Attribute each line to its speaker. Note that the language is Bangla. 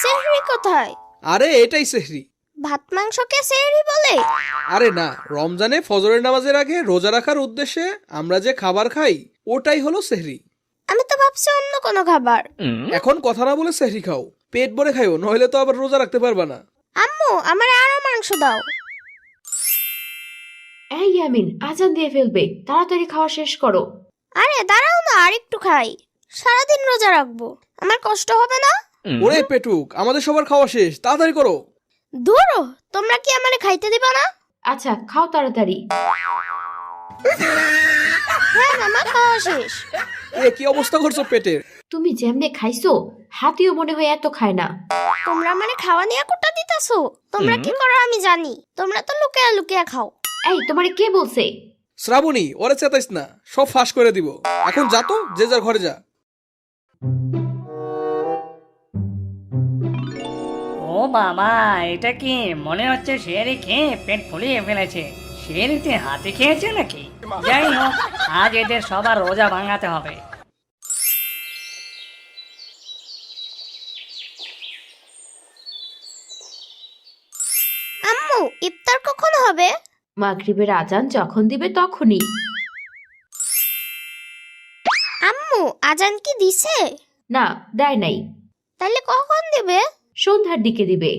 Speaker 1: সেহরি কোথায়?
Speaker 2: আরে এটাই সেহরি।
Speaker 1: ভাত মাংসকে সেহরি বলে?
Speaker 2: আরে না, রমজানে ফজরের নামাজের আগে রোজা রাখার উদ্দেশ্যে আমরা যে খাবার খাই ওটাই হলো সেহরি।
Speaker 1: আমি তো ভাবছি অন্য কোনো খাবার।
Speaker 2: এখন কথা না বলে সেহরি খাও, পেট ভরে খাইও, নইলে তো আবার রোজা রাখতে পারবা না।
Speaker 1: আম্মু, আমার আরো মাংস দাও।
Speaker 3: এই ইয়ামিন, আজান দিয়ে ফেলবে, তাড়াতাড়ি খাওয়া শেষ করো।
Speaker 1: আরে দাঁড়াও না, আর একটু খাই। সারাদিন রোজা রাখবো, আমার কষ্ট হবে না?
Speaker 2: ওরে পেটুক, আমাদের সবার খাওয়া শেষ, তাড়াতাড়ি করো।
Speaker 1: দূর, তোমরা কি আমারে খাইতে দিবা না?
Speaker 3: আচ্ছা, খাও তাড়াতাড়ি।
Speaker 1: হ্যাঁ মামা, খাওয়া শেষ।
Speaker 2: এ কি অবস্থা করছো পেটের?
Speaker 3: তুমি যেমনে খাইছো, হাতিও মনে হয় এত খায় না।
Speaker 1: তোমরা আমারে খাওয়া নিয়ে কোটা দিতাছো? তোমরা কি করো আমি জানি, তোমরা তো লুকিয়া লুকিয়া খাও।
Speaker 3: এই, তোমারে কে বলছে?
Speaker 2: শ্রাবণী, ওরে চেতাইস না, সব ফাঁস করে দিব। এখন যা তো, যে যার ঘরে যা।
Speaker 4: ও বাবা, এটা কি মনে হচ্ছে শেয়ারি খেয়ে পেট ফুলিয়ে ফেলেছে। শেয়ারিতে হাতি খেয়েছে নাকি? যাই হোক, আজ এদের সবার রোজা ভাঙাতে হবে।
Speaker 1: আম্মু, ইফতার কখন হবে?
Speaker 3: মাগরিবের আজান যখন দিবে তখনই।
Speaker 1: আম্মু, আজান কি দিছে?
Speaker 3: না, দেয় নাই।
Speaker 1: তাহলে কখন দিবে?
Speaker 3: সন্ধ্যার দিকে দিবে।